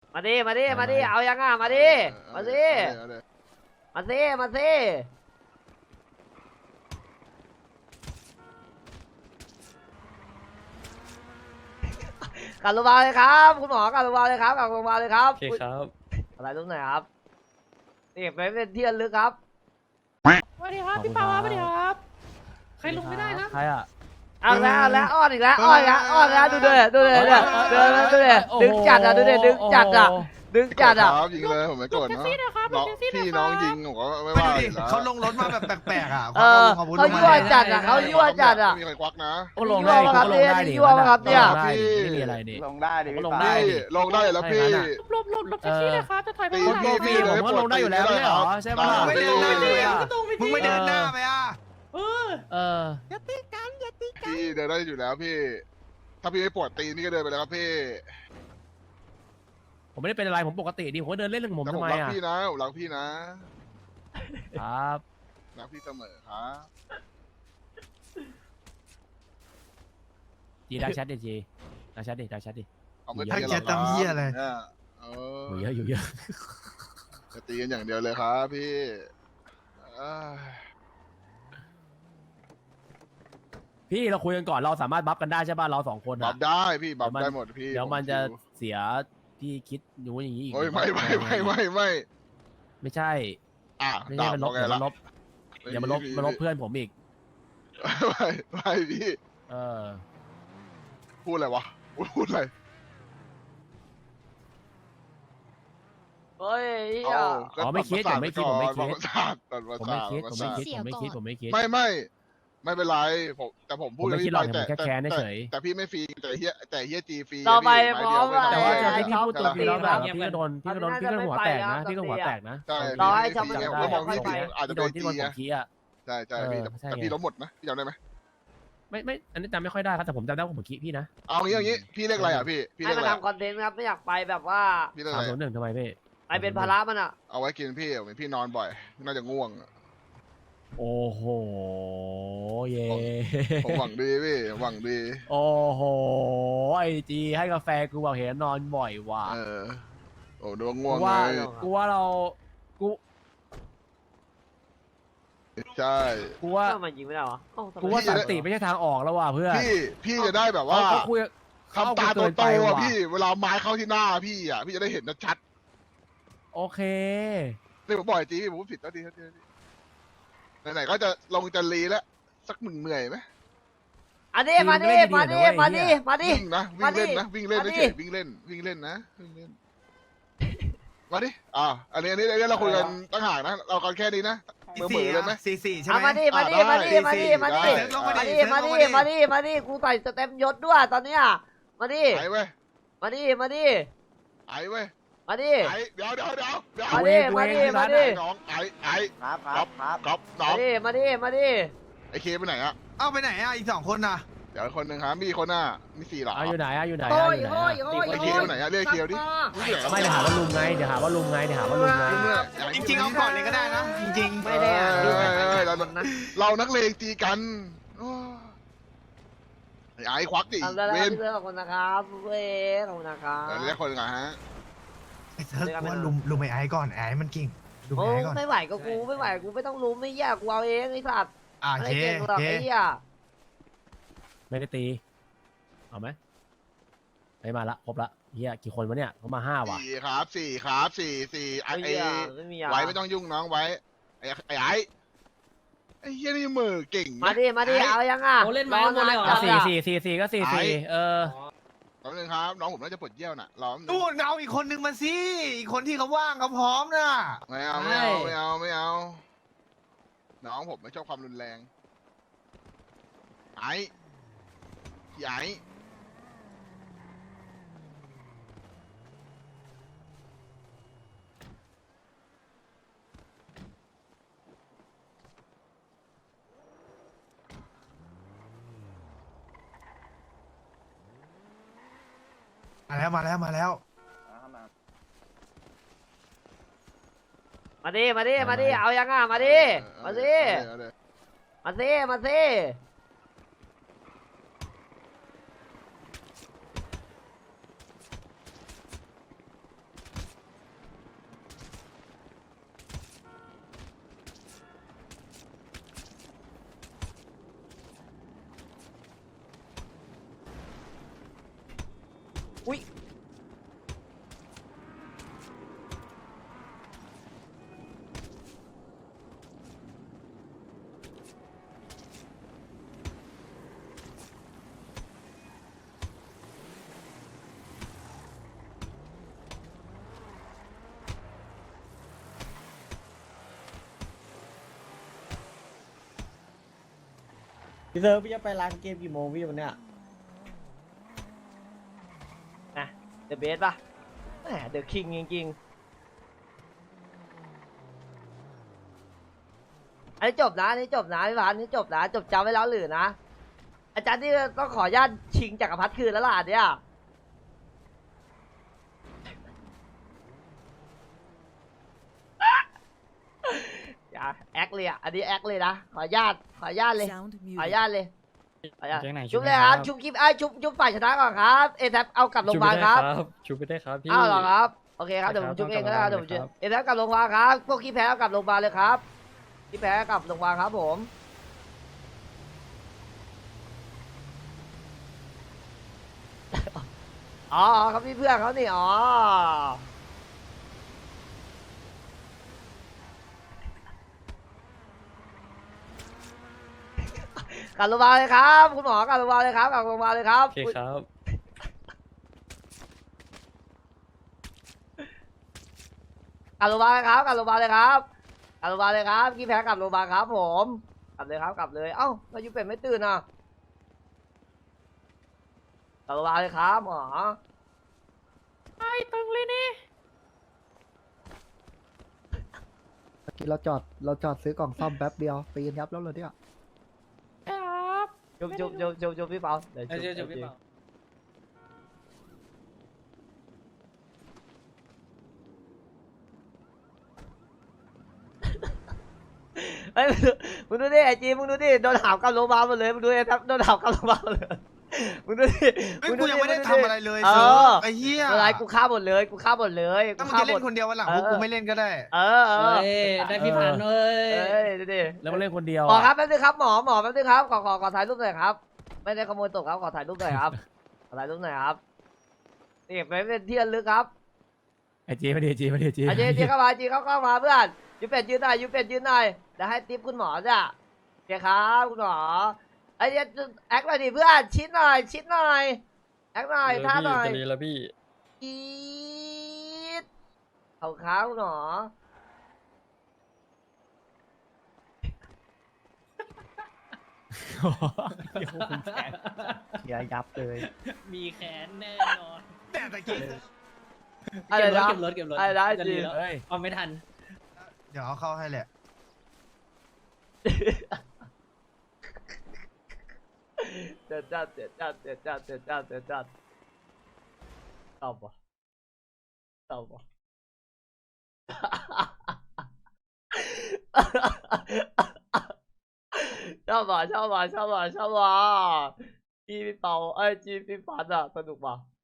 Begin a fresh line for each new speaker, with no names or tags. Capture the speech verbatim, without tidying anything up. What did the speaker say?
มาดิมาดิมาดิเอายังอ่ะมาดิมาดิมาดิมาดิกลับโรงพยาบาลเลยครับคุณหมอกลับโรงพยาบาลเลยครับกลับโรงพยาบาลเลยครับ
โอเคครับ
อะไรตรงไหนครับนี่ไปเป็นที่ระลึกครับ
สวัสดีครับพี่เปาสวัสดีครับใครลงไม่ได้นะ
ใครอ่ะ
เอาแล้วเอาแล้วอ้อนอีกแล้วอ้อนอีกแล้วอ้อนแล้วดูดิดูดิดูดิดูดิดูดิดึงจัดอ่ะดูดิดึงจัดอ่ะดึงจัดอ่ะ
ยิงเลยผมไม่โกรธเนาะน้องพี่น้องยิงผมก็ไม่ว่าแล้ว
เขาลงรถมาแบบแปลกๆอ่ะ
เออเขายั่วจัดอ่ะเขายั่วจัดอ่ะ
มีใครควักนะ
ก็ลงได้ก็ลงได้ดิ
ยั่วมาครับเนี่ย
ไม่มีอะไรดิ
ลงได้ดิ
ก็ลงได้ดิ
ลงได้แล้วพี่
หลบหลบหลบแท็กซี่เลยครับจะถอยไป
รถโลฟี่ผมก็ลงได้อยู่แล้วไม่ใช่หรอใช่ป่ะ
ไม่เดินหน้าเลยอ่ะมึงไม่เดินหน้าไปอ่ะ
เออ
เออ
อย่าตีกันอย่าตีกัน
พี่เดินได้อยู่แล้วพี่ ถ้าพี่ไม่ปวดตีนนี่ก็เดินไปแล้วครับพี่
ผมไม่ได้เป็นอะไรผมปกติดีผมเดินเล่นเรื่องผม
แต่ผ
ทำ
ม
ไม
รัก
อ่ะ
พี่นะผมรักพี่นะครับ รักพี่เสมอครับ
จีดักชัดดิจีดักชัดดิดักชัดดิ
เอาไม่
ถ้า
ตี
เกียรตำเหี้ยอะไร
เนี่ยเอ
อยู่
อ
เยอะอยู่เยอะ
จะตีกันอย่างเดียวเลยครับพี่เอ้ย
พี่เราคุยกันก่อนเราสามารถบัฟกันได้ใช่ป่ะเราสองคน
บั
อ่ะ
ฟได้พี่บัฟได้หมดพี่
เดี๋ยวมันจะเสียที่คิดอยู่อย่างนี้อีก
โอ้ยไม่ไม่ไม่ไม่ไม่
ไม่ใช่
อ่ะ
ไม่ใช่มันลบ
ด่า
เดี๋ยว
ไง
มันลบเดี๋ยวมันลบมันลบเพื่อนผมอีก
ไม่ไม่พี่
เออ
พูดอะไรวะพูดอะไร
เฮ้ย
เอา
อ๋อไม่คิดผมไม่คิดผมไม่คิด
ประสาทตัดประ
ผม
สา
ไม่
ท
คิดผมไม่คิดผมไม่คิดผมไม่คิด
ไม่ไม่ไม่เป็นไรผมแต่ผมพูด
ผมไม่คิดหรอก
แต่
ผมแค่แค้นเฉย
แต่พี่ไม่ฟรีแต่เฮียแต่เฮียจีฟรี
ต่อไป
พี่
พร้อม
ไเดียว
แต่ว่า
ไม่
จาก
ได้
ที่พี่พูดตัวพี่แล้วแบบพี่ก็โดนพี่ก็โดนพี่ก็หัวแตกนะพี่ก็หัวแตกนะ
ใช่
ต่อให้
พี่
จำไม่
ฟรี
ได้
ผมก็มองพี่
ค่อยไป
อาจจะ
โด
โด
น
น
ที่
จี
โดนผม
ไง
ขี้อ่ะ
ใช่ใช่พี่แต่
ใช่
แต่
ไง
พี่ล้มหมดนะพี่จำได้ไหม
ไม่ไม่อันนี้จำไม่ค่อยได้ครับแต่ผมจำได้ว่าผมขี้พี่นะ
เอางี้เอางี้พี่เรียกอะไรอ่ะพี่พี่
ให้
เรียก
มัน
อะไร
ทำคอนเทนต์ครับไม่อยากไปแบบว่า
พี่เรียก
สา
อะ
ม
ไร
ศูนย์หนึ่งทำไมพี่
ไปเป็นภาระมันอ่ะ
เอาไว้กินพี่เหมือนพี่นอนบ่อยน่าจะง่วง
โอ้โหเย่
ผมหวังดีพี่หวังดี
โอ้โหไอจีให้กาแฟกูบอกเห็นนอนบ่อยว่ะ
เออโอ้ดูว่าง่วง
กูว่า
ไง
กูว่าเรากู
ใช่
กูว่า
ทำไมยิงไม่ได้วะเอ้ทำไม
กูว่า
พี่
สั
จะ
นติไม่ใช่ทางออกแล้วว่ะเพื่อน
พี่พี่จะได้แบบว่า
เขาคุย
คำตาโตๆอ่ะพี่เวลาไม้เข้าที่หน้าพี่อ่ะพี่จะได้เห็นชัด
โอเค
ๆนี่ผมบอกจริงผมผิดแล้วดีครับไหนๆก็จะลงจะรีแล้วสักหนึ่งเหนื่อยไหม
อันนี้มาดิมาดิมาดิมาดิ
วิ่งนะวิ่งเล่นนะวิ่งเล่น
มาดิ
เฉยๆวิ่งเล่นวิ่งเล่นนะวิ่งเล่นมาดิอ่าอันนี้อันนี้อันนี้เราคุยกันตั้งห่างนะเรากันแค่นี้นะเหมือเหมือเลยไหม
สี่สี่ใช่
เอา
ไหม
มาดิมาดิมาดิมาดิมาดิมาดิมาดิมาดิมาดิกูใส่สเต็มยศด้วยตอนเนี้ยมาดิ
ไอ้เว้ย
มาดิมาดิ
ไอ้เว้ย
มาดิ
ไอ้เดี๋ยวเดี๋ยวเดี๋ยวเดี๋ยว
มาดิมาดิมาดิ
น้องไอ้ไอ้
ครับครับครับ
ก๊อฟน้อ
มาง ดิมาดิมาดิ
ไอ้เคไปไหนอะ
เอ้าไปไหนอ่ะอีกสองคนน่ะ
เดี๋ยวคนหนึ่งครับมีคนหน้ามีสี่หรอ
เอาอยู่ไหนอะอยู่ไหน
โอ้
อะ
ย
อยู่ไหน
โอ้ย
อะ
โอ้ย
ไอ้เคไปไหนอะเรียกเคดิ
ไม่เดี๋ยวหาว่าลุงไงเดี๋ยวหาว่าลุงไงเดี๋ยวหาว่าลุงไง
จริงๆเอาก่อนเลยก็ได้นะจริง
ไม่ได้อ่ะดูไปไป
เรา
คนนะ
เรานักเลงตีกันไอ้ไอ้ควักดิ
ทำได้แล้ว
เว
ครับ
น
พี่เพื่อนขอบคุณนะครับเว้ยขอบคุณนะครับ
เรียกคนไงฮะ
ๆไอ้เซิร์ฟว่าลุมลุมไอ้ไอ้ก่อนไอ้มันกิ่งลุม
โอ้
ไอ้ก่อน
ไม่ไหวก็กูไม่ไหวกูไม่ต้องรู้ไม่แย่กูเอาเองไอ้สัตว์
อ่า
อะไร
เค
เก่งหรอก
เค
ไอ้เหี้ย
ไม่ได้ตีเอาไหมไปมาละครบละเฮียกี่คนวะเนี่ยเขามาห้าว่ะ
สี่ครับสี่ครับสี่สี่ไอ้
ไอ้
ไอ้
เหี้ยไม่มีอ่ะ
ไว้ไม่ต้องยุ่งน้องไว้ไอ้ไอ้ไอ้ไอ้เฮียนี่มือเก่ง
มาดิมาดิเอายังอ่ะ
โอ้เล่นไม้หมดเลยเหรอ
อ่ะสี่สี่สี่สี่ก็สี่สี่เออ
แป๊บนึงครับน้องผมน่าจะปวดเยี่ยวน่ะรอ
นู่นเอาอีกคนนึงมาสิอีกคนที่เขาว่างเขาพร้อมน่ะ
ไม่เอาไม่เอาไม่เอาไม่เอาน้องผมไม่ชอบความรุนแรงไอ้พี่ไอ้
มาแล้วมาแล้วมาแล้ว
มาดิมาดิมาดิเอายังอ่ะมาดิมาดิมาดิมาดิ
พี่เซิร์ฟพี่จะไปร้านเกมกี่โมงพี่วันเนี้ย
นะเดอะเบสป่ะแหมเดอะคิงจริงๆอันนี้จบนะอันนี้จบนะพี่พานอันนี้จบนะจบจำไว้แล้วหรือนะอาจารย์ที่ต้องขออนุญาตชิงจักรพรรดิคืนแล้วล่ะเนี่ยอย่าแอคเลยอ่ะอันนี้แอคเลยนะขออนุญาตขออนุญาตเลย
Sound
ขออนุ
muted.
ญาตเลยขออนุญาต
แจ้งไหน
ชุบเลยครับชุบคลิปไอ้ยชุบชุบฝ่ายชนะก่อนครับเอแทเอากลับโรงพยาบาลครับ
ชูไปได้ครับพี่
อ้าวเหรอครับโอเคครับเดี๋ยวผมชุบเองก็ได้ครับเดี๋ยวผมชุบเอแทกลับโรงพยาบาลครับพวกขี้แพ้เอากลับโรงพยาบาลเลยครับขี้แพ้กลับโรงพยาบาลครับผมอ๋อครับพี่เพื่อนเขานี่อ๋อกลับโรงพยาบาลเลยครับคุณหมอกลับโรงพยาบาลเลยครับกลับโรงพยาบาลเลยครับ
โอเคครับ
กลับโรงพยาบาลเลยครับกลับโรงพยาบาลเลยครับกลับโรงพยาบาลเลยครับขี้แพ้กลับโรงพยาบาลครับผมกลับเลยครับกลับเลยเอ้ามายูเป็ดไม่ตื่นอ่ะกลับโรงพยาบาลเลยครับหมอ
ไอ้ตึงเลยนี่
เมื่อกี้เราจอดเราจอดซื้อกล่องซ่อมแป๊บเดียวปีนยับแล้วเลยเนี่ย
ครับ
จุบจุบจุบจุบจุบพี่เปาเดี๋ยว
เดี๋ยว
จุ
จุ
บบ
พี่เปา
เฮ้ยมึงดูดิไอจีมึงดูดิโดนหามกลับโรงพยาบาลหมดเลยมึงดูไอ้ทับโดนหามกลับโรงพยาบาลหมดเลยมึงดูดิ
เฮ้ย
มึง
กู
ดู
ยังไม่ได้
ง
ทำอะไรเลย
เอ
เซิ
อ
ร์ฟไอ้เหี้ย
อะไรกูฆ่าหมดเลยกูฆ่าหมดเลย
ถ้า
กู
มึง
ฆ่า
จะ
หม
เล่
ด
นคนเดียววันหลัง
เอ
พ
อ
วกกูไม่เล่นก็ได้
เออเออ
เอ้ยได้พี่ผ่านเอ้ย
เอ้ยดูดิ
แล้วมาเล่นคนเดียว
หมอ
อะ
ครับแป๊บนึงครับหมอหมอแป๊บนึงครับขอขอขอถ่ายรูปหน่อยครับไม่ได้ขโมยตกครับขอถ่ายรูปหน่อยครับขอถ่ายรูปหน่อยครับนี่ไปเป็นที่ระลึกครับ
ไอจีไม่ดีไอจีไม่ดีไอจี
อาเจเจเข้ามาจีเข้าเข้ามาเพื่อนยูเป็ดยืนหน่อยยูเป็ดยืนหน่อยเดี๋ยวให้ทิปคุณหมอจ้ะโอเคครับคุณหมอไอ้เจแอคหน่อยดิเพื่อนชิดหน่อยชิดหน่อยแอคหน่อยท่าหน่อย
จะดีแล้วพี่
อีดเอาขาคุณหมอ
อย่ายับเลย
มีแขนแน่นอน
แต่ตะกี้
อะไรนะ
เก็บรถเก็บรถ
อะไรนะ
จะ
จี
ดีแล้ว
เฮ้ย
เอาไม่ทัน
เดี๋ยวเอาเข้าให้แหละ
เจ็ดจัดเจ็ดจัดเจ็ดจัดเจ็ดจัดเจ็ดจัดตอบปะตอบปะ ชอบว่ะชอบว่ะชอบว่ะชอบว่ะจีพี่เปาเอ้ยจีพี่ฟันอ่ะสนุกว่ะ